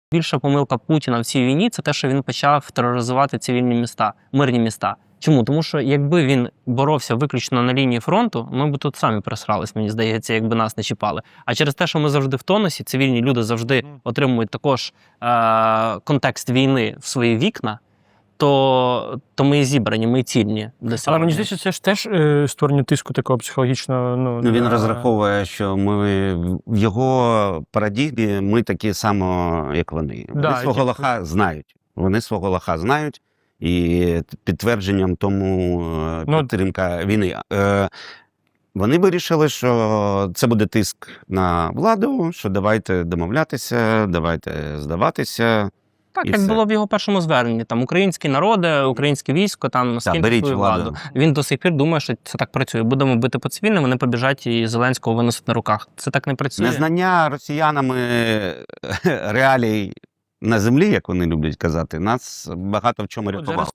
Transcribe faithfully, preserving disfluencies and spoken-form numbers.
Більша помилка Путіна в цій війні – це те, що він почав тероризувати цивільні міста, мирні міста. Чому? Тому що якби він боровся виключно на лінії фронту, ми б тут самі просрались, мені здається, якби нас не чіпали. А через те, що ми завжди в тонусі, цивільні люди завжди отримують також е- контекст війни в свої вікна, то, то ми і зібрані, ми і цільні для сьогодні. Але мені здається, це ж теж е, створення тиску такого психологічного. Ну, Ну, він на... розраховує, що ми в його парадігмі ми такі само, як вони. Вони Да, свого які- лоха знають. Вони свого лоха знають, і підтвердженням тому е, Ну, підтримка війни. Е, Вони вирішили, що це буде тиск на владу, що давайте домовлятися, давайте здаватися. Так, І як все. було в його першому зверненні, там українські народи, українське військо, там скиньте беріть свою владу. владу. Він до сих пір думає, що це так працює. Будемо бити по цивільним, вони побіжать і Зеленського виносять на руках. Це так не працює. Незнання росіянами реалій на землі, як вони люблять казати, нас багато в чому От рятувало.